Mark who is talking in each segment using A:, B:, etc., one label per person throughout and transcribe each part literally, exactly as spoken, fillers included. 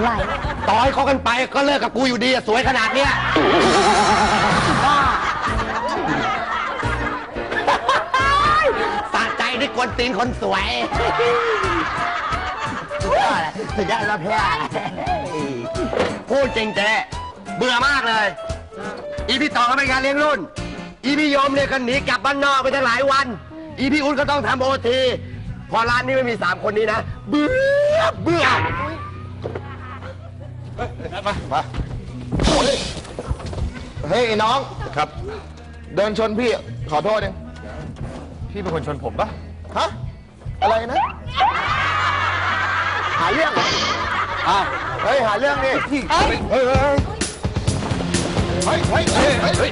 A: ไหร่
B: ต่อให้เขากันไปก็เลิกกับกูอยู่ดีอะสวยขนาดเนี้ยบ้าสะใจด้วยกวนตีนคนสวยสุดยอดเลยสุดยอดแล้วเพื่อนพูดจริงเจ๊เบื่อมากเลยอีพี่ต่อก็เป็นการเลี้ยงรุ่นอีพี่โยมเนี่ยก็หนีกลับบ้านนอกไปตั้งหลายวันอีพี่อุ้นก็ต้องทำโอทีพอร้านนี้ไม่มีสามคนนี้นะเบื่อเบื่อมามาเฮ้ยน้องครับเดินชนพี่ขอโทษเองพี่เป็นคนชนผมปะฮะอะไรนะหาเรื่องเหรออ้าวเฮ้ยหาเรื่องดิพี่เฮ้ยเฮ้ยเฮ้ยเฮ้ยเฮ้ยเฮ้ยเฮ้ยเฮ้ย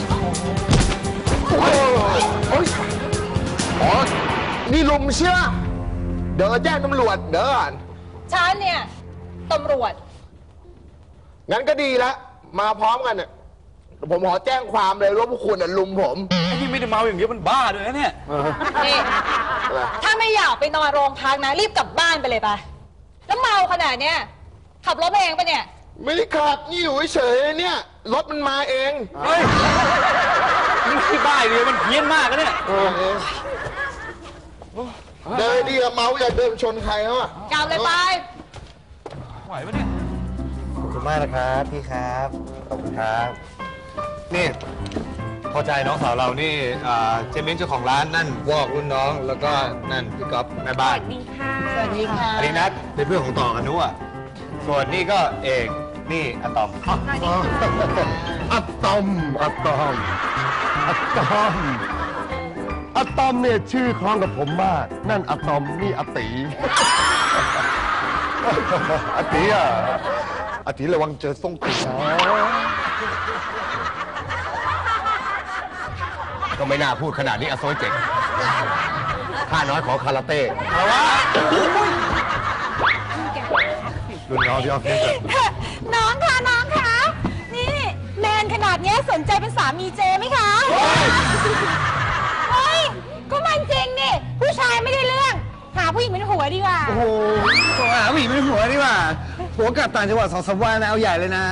B: โอ้ยอ๋อนี่ลุมเชื่อเดี๋ยวแจ้งตำรวจเดี๋ยวก่อน
A: ฉันเนี่ยตำรวจ
B: งั้นก็ดีแล้วมาพร้อมกันเนี่ยผมขอแจ้งความเลยว่าพวกคุณน่ะลุมผม
C: ไอ้ที่ไม่ได้เมาอย่างเดียวมันบ้าด้วยนะเนี่ย
A: นี่ถ้าไม่อยากไปนอนโรงพักนะรีบกลับบ้านไปเลยไปแล้วเมาขนาดเนี้ยขับรถเองปะเนี่ย
B: ไม่ได้ขับนี่อยู่เฉยๆเนี่ยรถมันมาเอง
C: เฮ้ยมันที่บ้าเลยมันเพี้ยนมากนะเนี่ย
B: เดินดีอะเมาอย่าเดินชนใครเขาอะ
A: กลับเลยไป
C: ไหวปะเนี่ย
B: ขอบคุณมากนะครับพี่ครับขอบคุณครับนี่พอใจน้องสาวเรานี่เจมิ้นเจ้าของร้านนั่นวอกรุ่นน้องแล้วก็นั่นพี่ก๊อฟแม่บ้าน
A: สวัสดีค่ะสวัสดีค่ะ
B: อันนี้นัทเป็นเพื่อนของต่อกันนู้อ่ะส่วนนี่ก็เอกนี่อะตอมอะตอมอะตอมอะตอมอะตอมเนี่ยชื่อคล้องกับผมมากนั่นอะตอมนี่อะตีอะตีอ่ะอะตีระวังเจอส่งตีก็ไม่น่าพูดขนาดนี้อะโซยเจ๋งข้าน้อยขอคาราเต้อะไรวะรุ่นน้องที่ออฟฟิศ
A: น้องค่ะน้องค่ะนี่แมนขนาดนี้สนใจเป็นสามีเจไหมคะเฮ้ยก็มันจริงนี่ผู้ชายไม่ได้เรื่องหาผู้หญิงเป็นหัวดีกว่า
C: โอ้โหหาผู้หญิงเป็นหัวดีกว่าหัวกลับต่างจังหวัดสองสามวันนะเอาใหญ่เลยนะ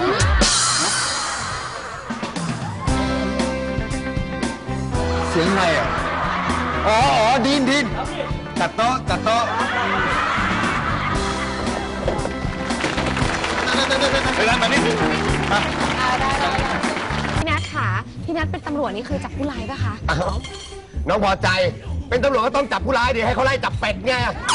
C: เสียงอะไรอ่ะอ๋ออ๋อดินดินจัดโต๊ะจัดโต๊ะไปร้านมานี่
A: พี่นัทค่ะพี่นัทเป็นตำรวจนี่คือจับผู้ร้ายปะคะ
B: น้องพอใจเป็นตำรวจก็ต้องจับผู้ร้ายดิให้เขาไล่จับเป็ดไง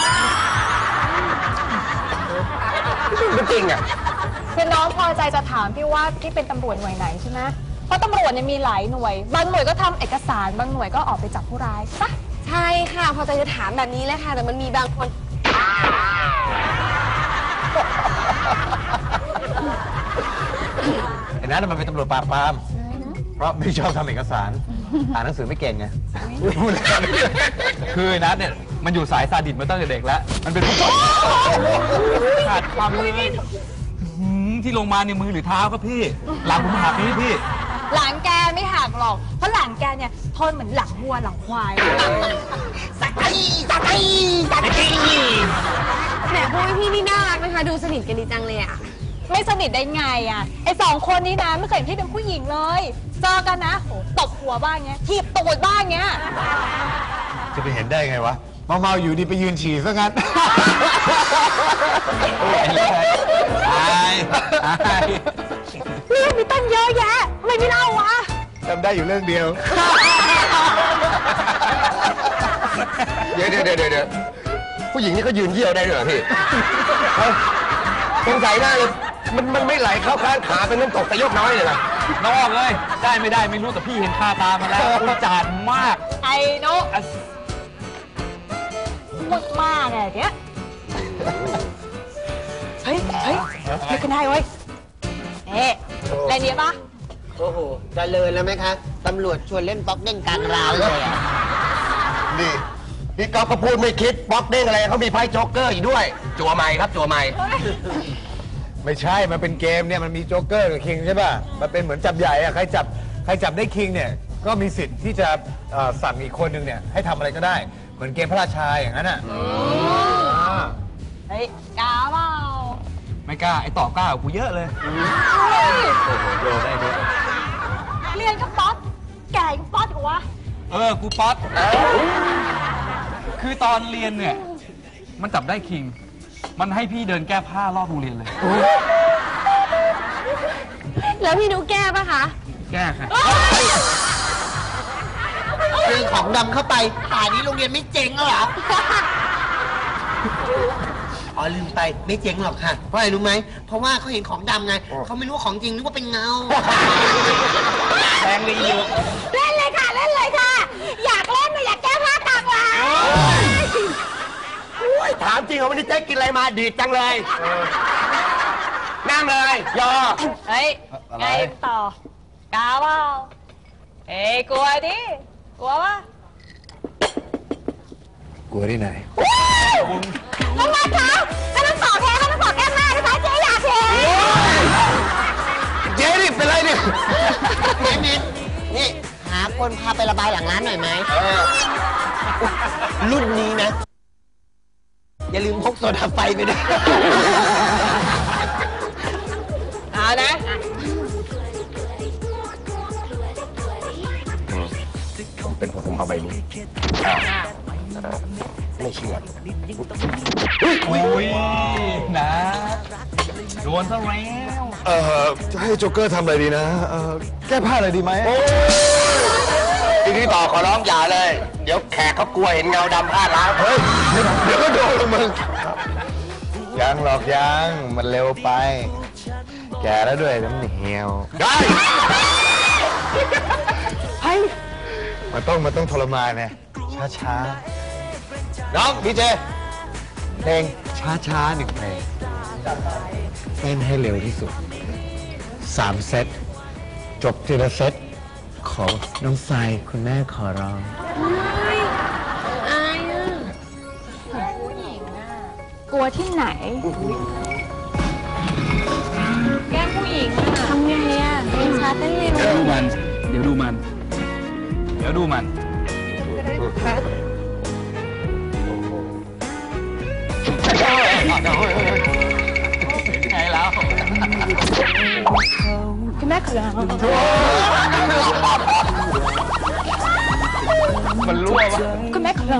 B: ไม่จริงอ่ะ
A: คือน้องพอใจจะถามพี่ว่าพี่เป็นตำรวจหน่วยไหนใช่ไหมเพราะตำรวจเนี่ยมีหลายหน่วยบางหน่วยก็ทำเอกสารบางหน่วยก็ออกไปจับผู้ร้ายปะ
D: ใช่ค่ะพอใจจะถามแบบนี้เลยค่ะแต่มันมีบางคน
C: ไอ้นั้นมันเป็นตำรวจปราบปรามเพราะไม่ชอบทำเอกสารอ่านหนังสือไม่เก่งไงคือไอ้นัทเนี่ยมันอยู่สายซาดิสมาตั้งแต่เด็กแล้วมันเป็นขาดความรู้ที่ลงมาในมือหรือเท้าครับพี่หลังผมหักนี่พี่
A: หลังแกไม่หักหรอกเพราะหลังแกเนี่ยทนเหมือนหลังวัวหลังควาย
D: สักทีสักทีสักทีแหมพวกพี่นี่น่ารักนะคะดูสนิทกันดีจังเลยอ่ะ
A: ไม่สนิทได้ไงอ่ะไอ้สองคนนี้นะไม่เคยเห็นพี่เป็นผู้หญิงเลยเจอกันนะโหตบหัวบ้างเงี้ยถีบตูดบ้างเงี้ย
C: จะไปเห็นได้ไงวะเมาๆอยู่ดีไปยืนฉี่ซะงั้นอายอาย
A: เรื่องมีตั้งเยอะแยะทำไมไม่เล่าวะ
C: จำได้อยู่เรื่องเดียว
B: เดี๋ยวเดี๋ยวเดี๋ยวเดี๋ยวผู้หญิงนี่ก็ยืนเยี่ยวได้ด้วยเหรอพี่สงสัยได้เลยมันมันไม่ไหลเข้าข้างขาเป็นน้ำตกแต่ยกน้อยเลยล่ะ
C: น้องเลยได้ไม่ได้ไม่รู้แต่พี่เห็นคาตามาแล้วอุจารมาก
A: ไอ้นกพูดมากไงเนี้ยเฮ้ยเฮ้ยเฮ้ยกันได้เว้ยเอ๊ะอะไรเนี้ยปะ
E: โอ้โหเจริญแล้วไหมคะตำรวจชวนเล่นป๊อกเด้งกลางราวเลยอ่ะ
B: นี่พี่ก๊อฟก็พูดไม่คิดป๊อกเด้งอะไรเขามีไพ่โจ๊กเกอร์อยู่ด้วยจั่วใหม่ครับจั่วใหม่
C: ไม่ใช่มันเป็นเกมเนี่ยมันมีโจ๊กเกอร์กับคิงใช่ป่ะมันเป็นเหมือนจับใหญ่อะใครจับใครจับได้คิงเนี่ยก็มีสิทธิ์ที่จะสั่งอีกคนนึงเนี่ยให้ทำอะไรก็ได้เหมือนเกมพระราชาอย่างนั้นอ่ะ
A: เฮ้ยกาเปล่า
C: ไม่
F: ไม่กล้า ไอ้ต่อกล้ากว่ากูเยอะเลย โอ้โหโดนได้ด้วย
A: เรียนก็ป๊อตแก่ก็ป๊อตกว่า
F: เออ กูป๊อตคือตอนเรียนเนี่ย มันจับได้คิง มันให้พี่เดินแก้ผ้ารอบโรงเรียนเลย
D: แล้วพี่นุ๊กแก้ปะคะ
F: แก้ค่ะ
E: เรื่องของดำเข้าไปป่านนี้โรงเรียนไม่เจ๊งแล้วเหรอ อ๋อลืมไปไม่เจ๊งหรอกค่ะ เพราะอะไรรู้ไหม เพราะว่าเขาเห็นของดำไง เขาไม่รู้ว่าของจริงนึกว่าเป็นเงา
F: แทงเลยอยู่
A: เล่นเลยค่ะเล่นเลยค่ะ อยากเล่นนะอยากแก้ผ้ากลางร้าน
B: โอ้ยถามจริงเหรอวันนี้เจ๊กินอะไรมาดีดจังเลยนั่งเลยยอ
A: เฮ้ยไงต่อกาเปล่าเอ้ยกลัวดิกลัวปะ
C: กลัวที่ไหน
A: น้องนัทคะถ้าต้องต่อแพ้เขาต้องต่อแก้มหน้านะคะเจ๊อยากเห็น
C: เจ๊นี่เป็นไรเนี่ย
E: แม่นิดนี่หาคนพาไประบายหลังร้านหน่อยไหมรุ่นนี้นะ อย่าลืมพกโซดาไฟไปด้วย
A: เอานะ
B: เป็นผมเอาใบนี้ไม่เชื่อ
F: โอ้ยนะโดนซะแล้ว
C: เอ่อ จะให้โจ๊กเกอร์ทำอะไรดีนะ เอ่อ แก้ผ้าอะไรดีไหม
B: พี่พี่ต่อขอร้องอย่าเลย เดี๋ยวแขกเขากลัวเห็นเงาดำพลาดแล้ว
C: เฮ้ย เดี๋ยวก็โดนละมึง ยังหรอกยัง มันเร็วไป แก่แล้วด้วยน้ำเหนียว
B: ได้
C: มันต้องมันต้องทรมานไงช้าช้าๆน้องพี่เจ เพลงช้าช้าๆหนึ่งเพลงเต้นให้เร็วที่สุดสามเซตจบทีละเซตขอน้องทรายคุณแม่ขอร้อง
D: อายอ่ะ
A: กลัวที่ไหน แก้มผู้หญิงอะทำไงอะเพลงช้าเต้นเร็ว
F: เดี๋ยวดูมัน เดี๋ยวดูมัน เดี๋ยวดูมัน ไงแล้ว
A: คุณแม่ขอร้อง
F: มันรั่ววะ
A: คุณแม่ขอร้อง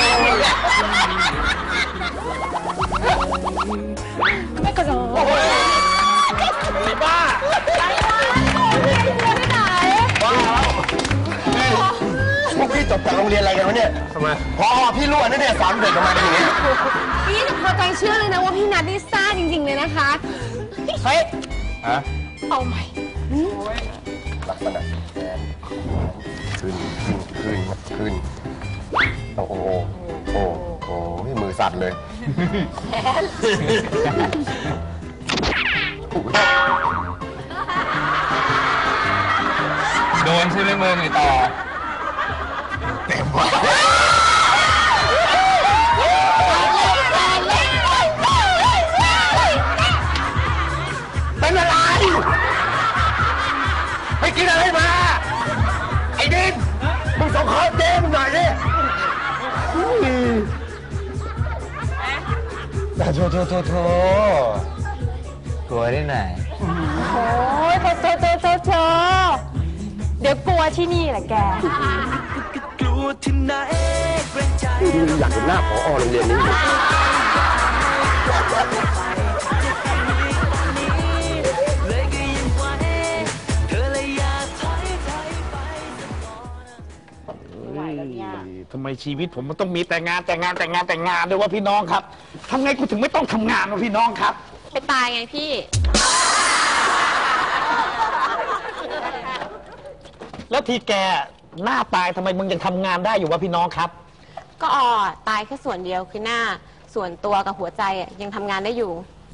A: คุณแม่ขอร้อง
B: ไอ้บ้า
A: ที่ไหน
B: บ้าแล้วพวกพี่จบจากโรงเรียนอะไรกันวะเนี่ยทำไมพอพี่รั่วนั่นเนี่ยสอนเด็กออกมาเป็นอย่างนี้
D: พี่หนูพอใจเชื่อเลยนะว่าพี่นัทนี่ซ่าจริงๆเลยนะคะ
B: เฮ้ย
C: ฮะ
A: เอาใหม่
B: ลักษณะแขนขึ้นขึ้นขึ้นขึ้นโอ้โหโอ้โหมือสั่นเลย
F: โดนใช่ไหมมึงไอ้ต่อ
C: เต็มว่ะ
B: เป็นอะไรไปกินอะไรมา ไอ้ดินมึงส่งข้อเจ๊มึงหน่อยดิ
C: แต่โถโถโถโถกลัวที่ไหน
A: โอ้ยโถโถโถโถโถเดี๋ยวกลัวที่นี่แหละแก
B: อยากเห็นหน้าผอโรงเรียนนี้อยู่
G: ทำไมชีวิตผมมันต้องมีแต่งานแต่งานแต่งานแต่งานด้วยว่าพี่น้องครับทำไงกูถึงไม่ต้องทำงานวะพี่น้องครับ
D: ไปตายไงพี่
G: แล้วทีแกหน้าตายทำไมมึงยังทำงานได้อยู่วะพี่น้องครับ
D: ก็อ่อตายแค่ส่วนเดียวคือหน้า ส่วนตัวกับหัวใจอะยังทำงานได้อยู่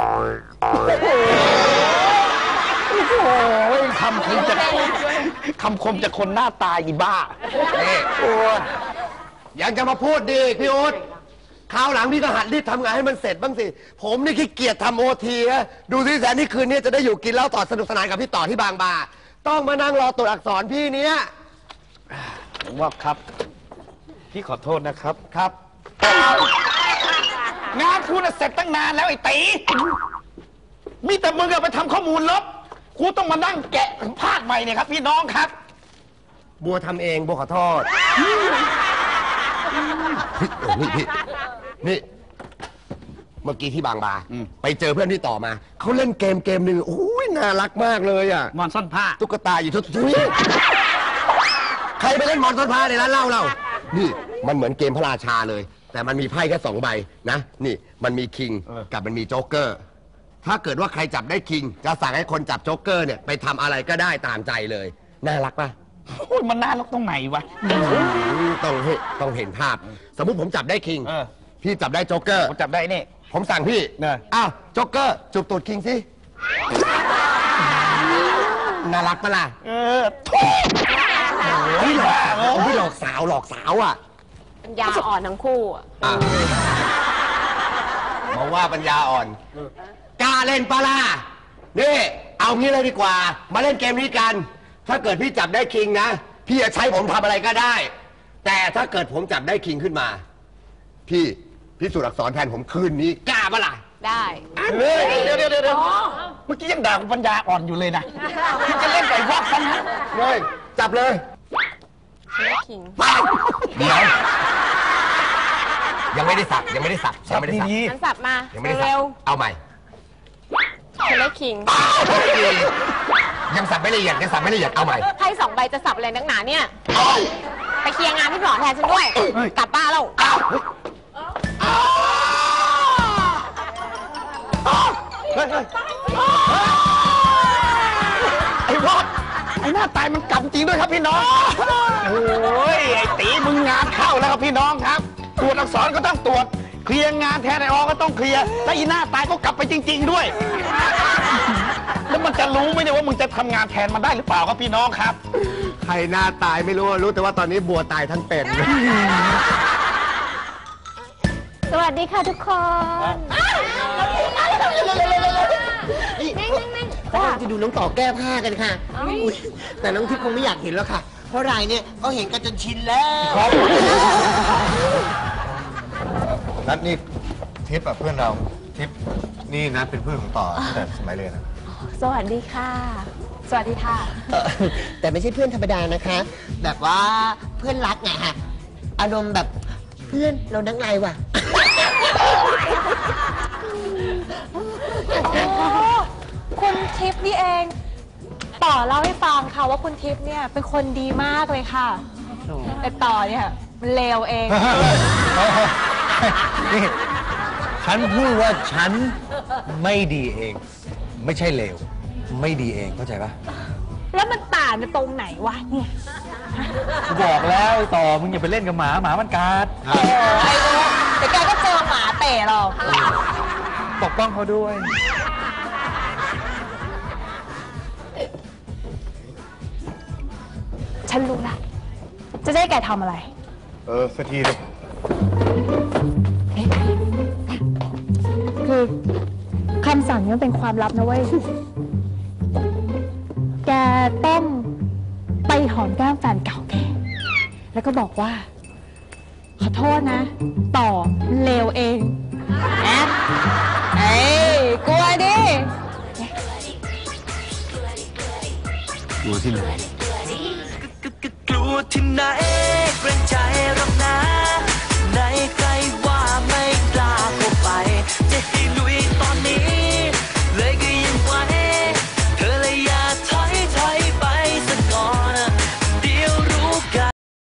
G: โอ้ยคำคมจะคำคมจะคนหน้าตายอีบ้า
B: นี่ยังจะมาพูดดีพี่อุ๊ดคราวหลังพี่ก็หัดรีบทำงานให้มันเสร็จบ้างสิ ผมนี่ขี้เกียจทำโอทีนะดูสิแสนนี่คืนนี้จะได้อยู่กินเหล้าต่อสนุกสนานกับพี่ต่อที่บางบาต้องมานั่งรอตัวอักษรพี่เนี้ย
G: ผมว่าครับ พี่ขอโทษนะครับ
B: ครับ
G: งานคุณน่ะเสร็จตั้งนานแล้วไอ้ตีมีแต่มึงอะไปทำข้อมูลลบกูต้องมานั่งแกะภาคใหม่เนี่ยครับ พี่น้องครับ
B: บัวทำเองบัวขอโทษนี่พี่นี่เมื่อกี้ที่บางบาไปเจอเพื่อนที่ต่อมาเขาเล่นเกมเกมหนึ่งโอ้ยน่ารักมากเลยอ่ะ
G: มอนซ่อนผ้า
B: ตุ๊กตาอยู่ทุกทุยใครไปเล่นมอนต้นผ้าในร้านเหล้าเรานี่มันเหมือนเกมพระราชาเลย แต่มันมีไพ่แค่สองใบนะนี่มันมีคิงกับมันมีโจ๊กเกอร์ถ้าเกิดว่าใครจับได้คิงจะสั่งให้คนจับโจ๊กเกอร์เนี่ยไปทำอะไรก็ได้ตามใจเลยน่ารักปะ
G: โอ้ยมันน่ารักตรงไหนวะ
B: ต้องเห็นต้องเห็นภาพ สมมุติผมจับได้คิง
G: เออ
B: พี่จับได้โจ๊กเกอร์
G: ผมจับได้นี่
B: ผมสั่งพี่
G: เนอะ
B: อ้าวโจ๊กเกอร์จูบตูดคิงสิน่ารักปะล่ะ
G: เออทุย
B: พี่หลอกพี่หลอกสาวหลอกสาวอ่ะ
D: ปัญญาอ่อนทั้งคู่อะ
B: อ่ะมาว่าปัญญาอ่อนกล้าเล่นปะล่ะนี่เอางี้เลยดีกว่า มาเล่นเกมนี้กัน ถ้าเกิดพี่จับได้คิงนะพี่จะใช้ผมทำอะไรก็ได้ แต่ถ้าเกิดผมจับได้คิงขึ้นมา พี่พิสูจน์อักษรแทนผมคืนนี้กล้าปะล่ะ
D: ได้
G: เฮ้ยเดี๋ยวเดี๋ยวเดี๋ยวเดี๋ยวเมื่อกี้ยังด่ากูปัญญาอ่อนอยู่เลยนะมึงจะเล่นไก่วอกซะนะ
B: เลยจับเลย
D: ฉันได้คิง
B: ไปเดี๋ยวยังไม่ได้สับยังไม่ได้สับยังไม่ได้สับ
G: ดี
D: ฉันสับมา
B: ยังไม่ได้สั
D: เร็ว
B: บเอาใหม่
D: ๆฉันได้คิง
B: ยังสับไม่ละเอียดยังสับไม่ละเอียดเอาใหม่
D: ไพ่สองใบจะสับอะไรนักหนาเนี่ย ไปเคลียร์งานพี่หมอแทนฉันด้วย กลับบ้านแล้ว
G: เฮ้ยเฮ้ยไอ้วอกไอ้หน้าตายมันกลับจริงด้วยครับพี่น้อง โอ้ยไอ้ตีมึงงานเข้าแล้วครับพี่น้องครับ ตรวจอักษรก็ต้องตรวจ เคลียร์งานแทนไอ้ออก็ต้องเคลียร์ และอีหน้าตายก็กลับไปจริง ๆ ด้วย แล้วมันจะรู้ไหมเนี่ยว่ามึงจะทำงานแทนมันได้หรือเปล่าครับพี่น้องครับ
B: ใครหน้าตายไม่รู้รู้แต่ว่าตอนนี้บัวตายทั้งเป็น
A: สวัสดีค่ะทุกคน
E: นี่เขากำลังจะดูน้องต่อแก้ผ้ากันค่ะอุ๊ยแต่น้องทิพย์คงไม่อยากเห็นแล้วค่ะ เพราะรายเนี่ยเขาเห็นกันจนชินแล้ว
C: นัดนี่ทิปอะเพื่อนเราทิปนี่นัดเป็นเพื่อนของต่อตั้งแต่สมัยเรียนอะ
A: สวัสดีค่ะ สวัสดีค่ะ
E: เอ่อแต่ไม่ใช่เพื่อนธรรมดานะคะ แบบว่าเพื่อนรักไงฮะอารมณ์แบบเพื่อนเรานักไงว่ะ
A: คุณทิพย์นี่เอง ต่อเล่าให้ฟังค่ะว่าคุณทิพย์เนี่ยเป็นคนดีมากเลยค่ะ แต่ต่อเนี่ยมันเลวเอง
C: นี่ฉันพูดว่าฉันไม่ดีเอง ไม่ใช่เลวไม่ดีเองเข้าใจปะ
A: แล้วมันต่างกันตรงไหนวะเนี่ย
F: กูบอกแล้วไอ้ต่อมึงอย่าไปเล่นกับหมาหมามันกัด
A: โอ้ยเดี๋ยวแกก็เจอหมาเตะหรอก
F: ปกป้องเขาด้วย
A: ฉันรู้ละ จะได้แกทำอะไร
C: เออสักทีเลย
A: คือคำสั่งนี้มันเป็นความลับนะเว้ย แกต้องไปหอมแก้มแฟนเก่าแก แล้วก็บอกว่า ขอโทษนะ ต่อเลวเองแอะเอ้ยกลัวดิ
C: ดูที่ไหน
H: กลัวที่ไหน